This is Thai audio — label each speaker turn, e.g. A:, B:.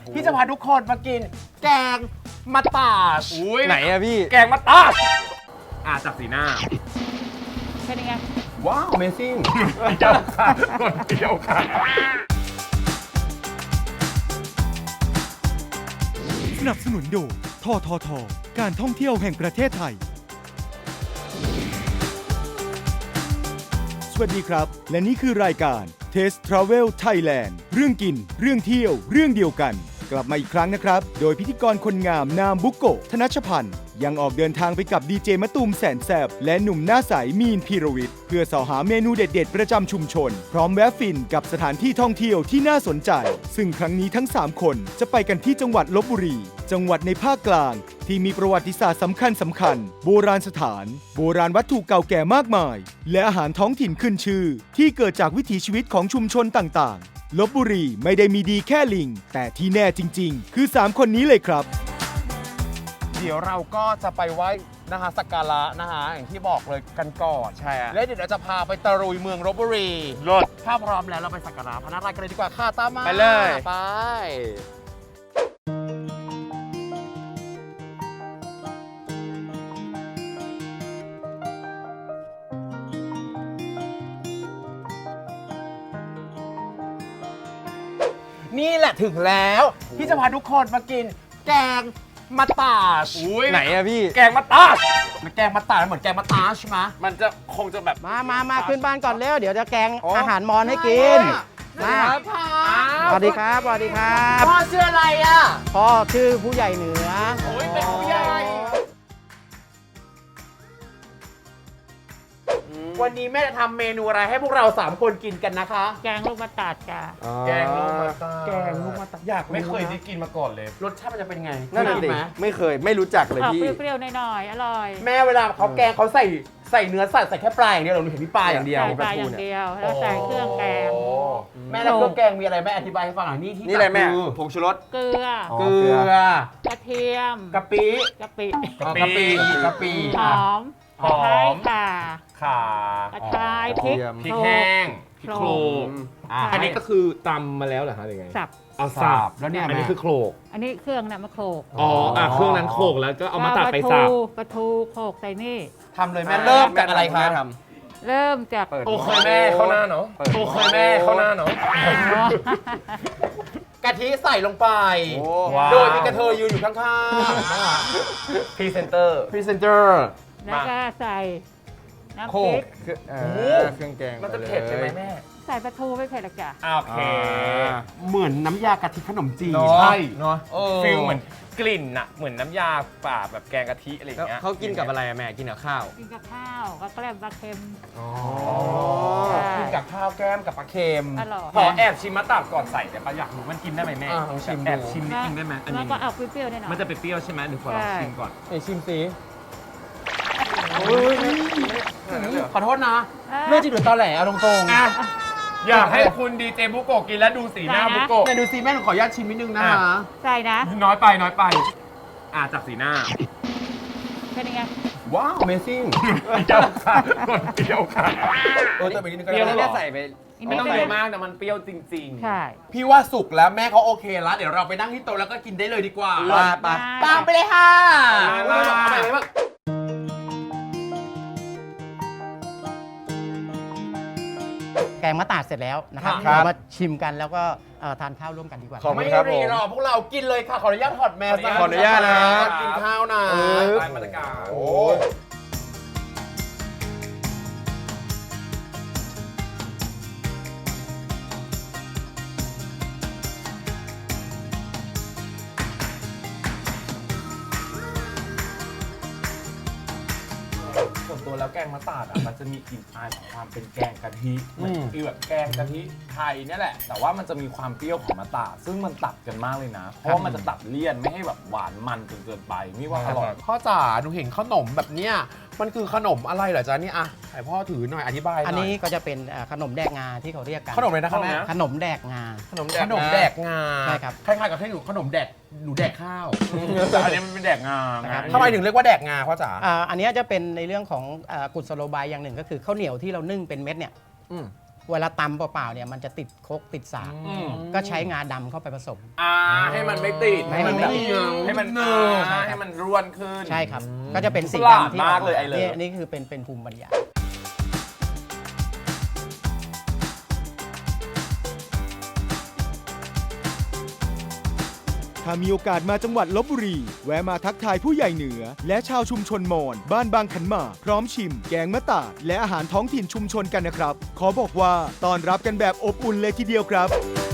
A: พี่จะพาทุกคนมากินแกงมัตตาร์ช
B: ไหนอะพี่
A: แกงมัตตาร์ชจากสีหน้า
C: เป็นยังไง
A: ว้าว Amazing เปรี้ยวค่ะคนเปรี้ยวค่ะ
D: สนับสนุนโดยททท การท่องเที่ยวแห่งประเทศไทย สวัสดีครับ และนี่คือรายการ Taste Travel Thailand เรื่องกิน เรื่องเที่ยว เรื่องเดียวกัน กลับมาอีกครั้งนะครับ โดยพิธีกรคนงามนามบุโกะธนชพันธ์ยังออกเดินทางไปกับดีเจมะตูมแสนแสบและหนุ่มหน้าใสมีนพีรวิทย์เพื่อสอหาเมนูเด็ดๆประจำชุมชน พร้อมแวะฟินกับสถานที่ท่องเที่ยวที่น่าสนใจ ซึ่งครั้งนี้ทั้ง 3 คนจะไปกันที่จังหวัดลพบุรี จังหวัดในภาคกลาง ที่มีประวัติศาสตร์สำคัญโบราณสถาน โบราณวัตถุเก่าแก่มากมาย และอาหารท้องถิ่นขึ้นชื่อ ที่เกิดจากวิถีชีวิตของชุมชนต่างๆ ลพบุรีไม่ได้มีดีแค่ลิง แต่ที่แน่จริงๆ คือ 3 คนนี้เลยครับ
A: เดี๋ยวเราก็จะไปไหว้นะคะสักการะนะคะอย่างที่บอกเลยกันก่อน
B: ใช่อะ
A: และเดี๋ยวเราจะพาไปตะลุยเมืองลพบุรี
B: รถ
A: ถ้าพร้อมแล้วเราไปสักการะพระนารายณ์กันเลยดีกว่าค่ะตามมา
B: ไปเลย
A: ไป นี่แหละถึงแล้วที่จะพาทุกคนมากินแกงมัตตาร์ช
B: ไหนอะพี่
A: แกงมัตตาร์ชมันแกงมัตตาร์ชเหมือนแกงมัตตาร์ชใช่ไหม
B: มันจะคงจะแบบ
E: มาขึ้นบ้านก่อนเร็ว เดี๋ยวจะแกงอาหารมอญให้กิน มา สวัสดีครับ สวัสดีครับ
A: พ่อชื่ออะไรอ่ะ
E: พ่อชื่อผู้ใหญ่เหนือ
A: โอ้ยเป็นผู้ใหญ่วันนี้แม่จะทำเมนูอะไรให้พวกเรา3คนกินกันนะคะ
C: แกงลูกมะตาดจ้ะ
A: แกงลูกมัตตาร์ชแกงลูกมัตตาร์ชอยาก
B: ไม่เคยได้กินมาก่อนเลย
A: รสชาติมันจะเป็นไง
B: นั่นน่ะ
A: เคย
B: สิ
A: กิไหม
B: ไม่เคย ไม่รู้จักเลย
C: ออก
B: พี่
C: เปรี้ยวๆหน่อยๆอร่อย
A: แม่เวลาเขาแกงเขาใส่เนื้อสัตว์ใส่แค่ปลาอย่างเดียวหรือเห็นที่ปลาอย่างเดียว
C: ใส่ปลาอย่างเดียว แล้วใส่เครื่องแกง
A: โอ้แม่แล้วเครื่องแกงมีอะไรแม่อธิบายให้ฟังหน่อยนี่ที่
B: นี่อะไรแม่
A: ตักคือ
B: ผงชูรส
C: เกลือ
B: อ๋อ
A: เกลือ
C: กระเทียม
A: กะปิ
C: กะปิ
A: กะปิกะปิ
C: หอมตะไคร้ข่า
A: ข่าก
C: ระชายพริก
B: พริก
C: โขล
B: แห้ง
C: พริกโขลก
B: อันนี้ก็คือตำมาแล้วเหรอฮะหรือไง
C: สับ
B: เอาสับ
A: แล้วเนี่ย
B: อันนี้คือโขลก
C: อันนี้เครื่องน่ะมาโขลก
B: อ๋อเครื่องนั้นโขลกแล้วก็เอามาตัดไปสับ
C: ปลาทูโขลกใส่นี่
A: ทำเลยแม่เริ่มจากอะไรคะ
B: แม่ท
C: เริ่มจาก
B: เปิด
A: โอเคแม่เข้าหน้าเนาะโอเคแม่เข้าหน้าเนาะกะทิใส่ลงไป
B: โอ้
A: โดยมีกระเทยยืนอยู่ข้าง
B: พรีเซนเตอร์
A: ๆพรีเซนเตอร์
C: แล้วก็ใส่น้ำ
A: โข
C: พ
A: ล
C: ริ
A: ก
C: ก
B: เครื่องแกง
A: มันจะเผ็ดใช่ไหมแม่
C: ใส่ปลาทูไม่เผ็ดหรอกจ้ะ
A: โอเค เหมือนน้ำยากะทิขนมจีน
B: ใช่
A: เนาะ
F: ฟิลเหมือนกลิ่นอะเหมือนน้ำยาป่าแบบแกงกะทิอะไรอย่างเงี้ย
B: เขากินกับอะไรอะแม่กินกับข้าว
C: กินกับข้าวก็แกล้มปลาเค็ม
A: กินกับข้าวแก้มกับปลาเค็ม
C: อร่อย
F: ขอแอบชิมมะตาบก่อนใส่แต่ปะอยากรู้มันกินได้ไหมแม่
A: ลองชิม
F: แอบ
A: ดู
F: ชิมนิดนึงได้ไหมอัน
C: แล้ว
F: นี้
C: ก็เอาเปรี้ยวๆหน่อยๆ
F: มันจะเป็นเปรี้ยวใช่ไหมหรือขอลอง
C: ใช่
F: ชิมก่อน
A: ไหนชิมสิขอโทษนะ
C: อ่ะ
A: เรื่องจริงหรือตอแหลเอาตรง
F: อ่ะอยากให้คุณดีเจบุโกะกินแล้วดูสีหน้า
C: ได้นะ
F: บุ
A: ๆ
F: โกะ
A: แต่ดูซิแม่หนูขออนุญาตชิมนิดนึงนะคะ
C: ใส่นะ
F: น้อยไปจากสีหน้า
C: เป็นยังไง
A: ว้าว Amazing
F: เปรี้ยวค่ะคนเปรี้ยวค่ะ
A: แต่ไปนิดนึงก็
B: เปรี้ยว
A: ได้
B: แม่ใส่ไป
C: อีก
F: ไม่
C: นิด
F: ต้อง
C: นึ
F: เย
C: ง
F: อะมากแต่มันเปรี้ยวจริงๆ
C: ใช่
A: พี่ว่าสุกแล้วแม่เขาโอเคแล้ว เดี๋ยวเราไปนั่งที่โต๊ะแล้วก็กินได้เลยดีกว่า
B: ว่าไป
A: ตามไปเลยค่ะ
F: มา
A: เอาใหม่เลยว่า
E: แกงมะตาดเสร็จแล้วนะครับ
A: ครับ
E: เรามาชิมกันแล้วก็ทานข้าวร่วมกันดีกว่า
B: ขอบคุ
A: ไม่
B: ณครับผ
A: รี
B: ม
A: รอพวกเรากินเลยค่ะ ขออนุญาตถอดแมส
B: ขออนุญาตนะ
A: กินข้าวนะ
F: ตามมาตรการ
A: โอ้ส่วนตัวแล้วแกงมะตาดอ่ะมันจะมีกลิ่นอายของความเป็นแกงกะทิเหมือนฟีลแบบแกงกะทิไทยเนี่ยแหละ แต่ว่ามันจะมีความเปรี้ยวของมะตาดซึ่งมันตัดกันมากเลยนะ เพราะว่ามันจะตัดเลี่ยนไม่ให้แบบหวานมันจนเกินไปนี่ว่าอร่อยพ่อจ๋าหนูเห็นขนมแบบเนี้ยมันคือขนมอะไรเหรอจ๊ะนี่อ่ะให้พ่อถือหน่อยอธิบายหน่อย
E: อันนี้ก็จะเป็นขนมแดกงาที่เขาเรียกกัน
A: ขนมอะไรนะครับแม่
E: ขนมแดกงา
A: ขนมแดกงา
E: ใช่ครับ
A: คล้ายๆกับที่หนูขนมแดกหนูแดกข้าว
F: แต่อันนี้มันเป็นแดกงาไง
E: นะครับ
A: ทำไมถึงเรียกว่าแดกงาพ่อจ๋า
E: อันนี้จะเป็นในเรื่องของกุศโลบายอย่างหนึ่งก็คือข้าวเหนียวที่เรานึ่งเป็นเม็ดเนี่ย
A: อืม
E: เวลาตำเปล่าๆเนี่ยมันจะติดครกติดสาก
A: อืม
E: ก็ใช้งาดำเข้าไปผสม
A: ให้มันไม่ติด
E: ให้มัน
A: แบบ
E: ไม่เหนียว
A: ให้มัน
E: ใช่ครับ
A: ให้มันร่วนขึ้น
E: ใช่ครับ ก็จะเป็นสิ่ง
A: ฉลาด
E: ที่
A: มากเลยไอ้เลย
E: นี่คือเป็นภูมิปัญญา
D: ถ้ามีโอกาสมาจังหวัดลบบุรี แวะมาทักทายผู้ใหญ่เหนือ และชาวชุมชนมอญบ้านบางขันหมากพร้อมชิม แกงมะตาดและอาหารท้องถิ่นชุมชนกันนะครับ ขอบอกว่าต้อนรับกันแบบอบอุ่นเลยทีเดียวครับ